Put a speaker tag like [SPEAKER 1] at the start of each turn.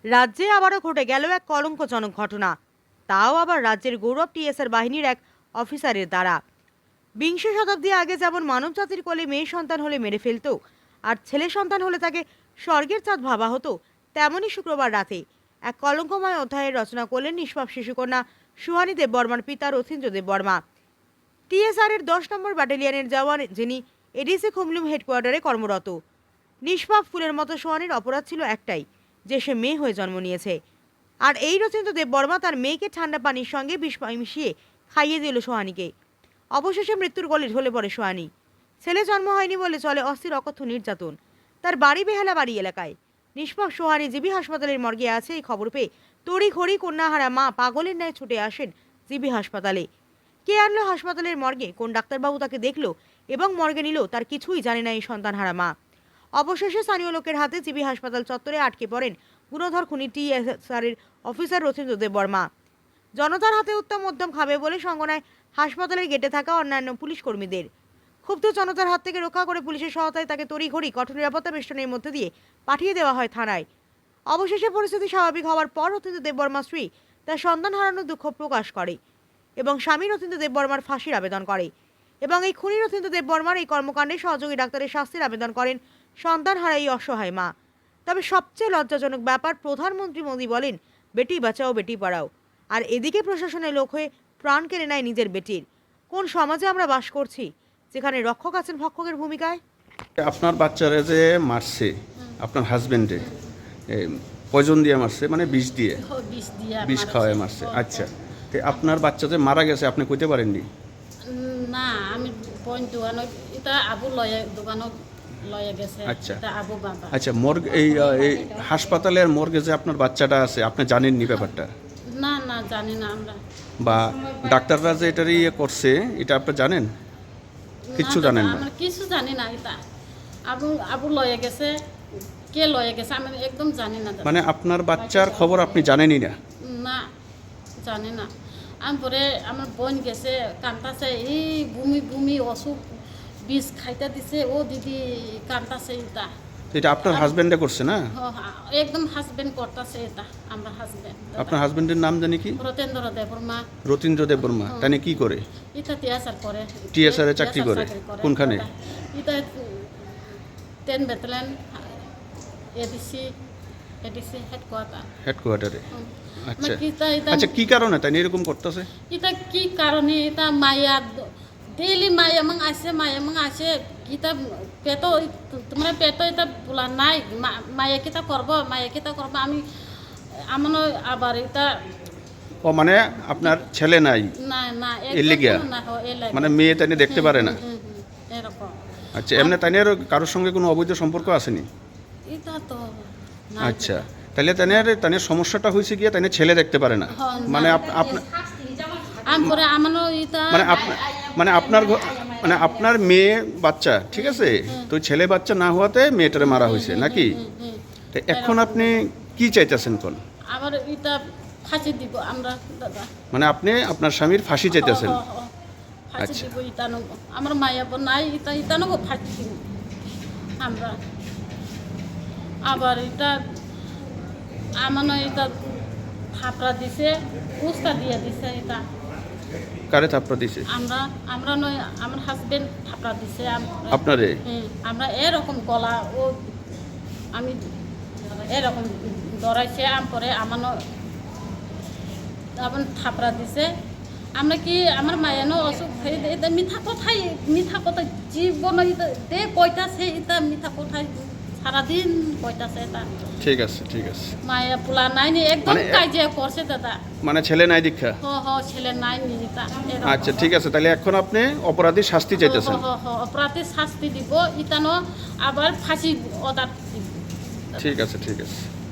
[SPEAKER 1] রাজ্যে আবারও ঘটে গেল এক কলঙ্কজনক ঘটনা, তাও আবার রাজ্যের গৌরব টিএসআর বাহিনীর এক অফিসারের দ্বারা। বিংশ শতাব্দী আগে যেমন মানব জাতির কোলে মেয়ে সন্তান হলে মেরে ফেলতো আর ছেলে সন্তান হলে তাকে স্বর্গের চাঁদ ভাবা হতো, তেমনই শুক্রবার রাতে এক কলঙ্কময় অধ্যায়ের রচনা করলেন নিষ্পাপ শিশুকন্যা সুহানী দেববর্মার পিতা রথীন্দ্র দেববর্মা। টিএসআর এর 10 নম্বর ব্যাটালিয়নের জওয়ান, যিনি এডিসি খুমলুম হেডকোয়ার্টারে কর্মরত। নিষ্পাপ ফুলের মতো সুহানীর অপরাধ ছিল একটাই, যে সে মেয়ে হয়ে জন্ম নিয়েছে। আর এই রথীন্দ্র দেববর্মা তার মেয়েকে ঠান্ডা পানির সঙ্গে বিষ মিশিয়ে খাইয়ে দিল সোহানীকে। অবশেষে মৃত্যুর কোলে ঢলে পড়ে সোহানী। ছেলে জন্ম হয়নি বলে চলে অস্থির অকথ্য নির্যাতন। তার বাড়ি বেহালা বাড়ি এলাকায়। নিষ্পাপ সোহানী জিবি হাসপাতালের মর্গে আছে এই খবর পেয়ে তড়িঘড়ি কন্যাহারা মা পাগলের ন্যায় ছুটে আসেন জিবি হাসপাতালে। কে আনলো হাসপাতালের মর্গে, কোন ডাক্তারবাবু তাকে দেখলো এবং মর্গে নিল, তার কিছুই জানে না এই সন্তানহারা মা। অবশেষে স্থানীয় লোকের হাতে জিবি হাসপাতাল চত্বরে আটকে পড়েন গুণধর খুনি টিএসআরের অফিসার রথীন্দ্র দেববর্মা। জনতার হাতে উত্তম মধ্যম খাবে বলে সঙ্গনায় হাসপাতালের গেটে থাকা অন্যান্য পুলিশ কর্মীদের। ক্ষুব্ধ জনতার হাত থেকে রক্ষা করে পুলিশের সহায়তায় তাকে তড়িঘড়ি কঠোর নিরাপত্তা বেষ্টনের মধ্যে দিয়ে পাঠিয়ে দেওয়া হয় থানায়। অবশেষে পরিস্থিতি স্বাভাবিক হওয়ার পর রথীন্দ্র দেববর্মা স্ত্রী তার সন্তান হারানোর দুঃখ প্রকাশ করে এবং স্বামী রথীন্দ্র দেববর্মার ফাঁসির আবেদন করে এবং এই খুনি রথীন্দ্র দেববর্মার এই কর্মকাণ্ডে সহযোগী ডাক্তারের শাস্তির আবেদন করেন সন্তান হারা এই অসহায় মা। তবে সবচেয়ে লজ্জাজনক ব্যাপার, প্রধানমন্ত্রী মোদী বলেন বেটি বাঁচাও বেটি পড়াও, আর এদিকে প্রশাসনের লোক হয়ে প্রাণ কেড়ে নেয় নিজের বেটির। কোন সমাজে আমরা বাস করছি যেখানে রক্ষক আছেন ভক্ষকের ভূমিকায়?
[SPEAKER 2] আপনার বাচ্চারা যে মারছে আপনার হাজবেন্ডে পয়জন দিয়ে মারছে, মানে বিষ দিয়ে বিষ খাওয়ায় মারছে। আচ্ছা, তো আপনার বাচ্চা যে মারা গেছে আপনি কইতে পারেননি?
[SPEAKER 3] না, আমি পয়েন্ট দোকান এটা আবু লয়ে দোকানত লয়ে গেছে।
[SPEAKER 2] আচ্ছা
[SPEAKER 3] এটা আবু বাবা।
[SPEAKER 2] আচ্ছা, মর্গ এই হাসপাতালের মর্গে যে আপনার বাচ্চাটা আছে আপনি জানেননি ব্যাপারটা?
[SPEAKER 3] না না, জানি না আমরা।
[SPEAKER 2] বা ডাক্তাররা যে এটার ইয়ে করছে এটা আপনি জানেন? কিচ্ছু জানেন না?
[SPEAKER 3] আমরা কিছু জানি না। এটা আবু আবু লয়ে গেছে, কে লয়ে গেছে আমি একদম জানি না।
[SPEAKER 2] মানে আপনার বাচ্চার খবর আপনি জানেনই না?
[SPEAKER 3] না, জানি না। আমি পরে আমার বোন গেছে কান্তাছে, এই বমি বমি অসুখ বিষ খাইতে দিছে, ও দিদি কান্তাছে।
[SPEAKER 2] এটা আপনার হাজবেন্ডে করছে না?
[SPEAKER 3] একদম হাজবেন্ড করতেছে এটা, আমরা হাজবেন্ড।
[SPEAKER 2] আপনার হাজবেন্ডের নাম জানি কি?
[SPEAKER 3] রথীন্দ্র দেববর্মা।
[SPEAKER 2] রথীন্দ্র দেববর্মা। তাই কি করে?
[SPEAKER 3] এটা টিএসআর করে।
[SPEAKER 2] টিএসআর এ চাকরি করে? কোনখানে?
[SPEAKER 3] এটা 10 ব্যাটালিয়ন এডিসি
[SPEAKER 2] হেডকোয়ার্টারে। আচ্ছা আচ্ছা, কি কারণে তাই এরকম করতেছে?
[SPEAKER 3] এটা কি কারণে? এটা মায়া ডেইলি মায়া মাং আসে কিতা পেট, তোমার পেট এটা বলা নাই, মায়া কিতা করব আমি আমার আবার এটা।
[SPEAKER 2] ও মানে আপনার ছেলে নাই?
[SPEAKER 3] না না,
[SPEAKER 2] মানে মেয়ে তাই দেখতে পারে না
[SPEAKER 3] এরকম।
[SPEAKER 2] আচ্ছা, এমনি তাই কারোর সঙ্গে কোনো অবৈধ সম্পর্ক আসেনি?
[SPEAKER 3] এটা তো
[SPEAKER 2] আচ্ছা, তাহলে তাই সমস্যাটা হয়েছে গিয়ে তাই ছেলে দেখতে পারে না? মানে আপনার মানে আপনার মেয়ে বাচ্চা, ঠিক আছে, তো ছেলে বাচ্চা না হওয়াতে মেয়েটারে মারা হয়েছে নাকি? তো এখন আপনি কি চাইতেছেন? কোন
[SPEAKER 3] আবার এটা ফাঁসি দিব আমরা দাদা।
[SPEAKER 2] মানে আপনি আপনার স্বামীর ফাঁসি চাইতেছেন?
[SPEAKER 3] ফাঁসি দিব ইতানো, আমার মায়া নাই, ইতানো ফাঁসি দিব আমরা। আবার এটা আমার এটা থাপড়া দিছে, উস্তা দিয়ে দিছে। এটা
[SPEAKER 2] কারে থাপড়া দিছে?
[SPEAKER 3] আমরা নয়, আমার হাজবেন্ড থাপড়া দিছে
[SPEAKER 2] আপনারে।
[SPEAKER 3] আমরা এরকম গলা ও আমি এরকম ধরাইছে, পরে আমার থাপড়া দিছে। আমরা কি আমার মায়ানো অসুখ এটা মিঠা কথা জীবন দে কইতাছে, এটা মিঠা কথা সারাদিন কইতাছে। এটা
[SPEAKER 2] ঠিক আছে ঠিক আছে,
[SPEAKER 3] মায়া পোলা নাই নি, একদম কাজিয়া করছে দাদা।
[SPEAKER 2] মানে ছেলে নাই দীক্ষা?
[SPEAKER 3] ছেলে নাই নি।
[SPEAKER 2] আচ্ছা ঠিক আছে, তাহলে এখন আপনি অপরাধীর শাস্তি চাইতেছেন?
[SPEAKER 3] অপরাধীর শাস্তি দিব, ইতানো আবার ফাঁসি অর্ডার দিব।
[SPEAKER 2] ঠিক আছে ঠিক আছে।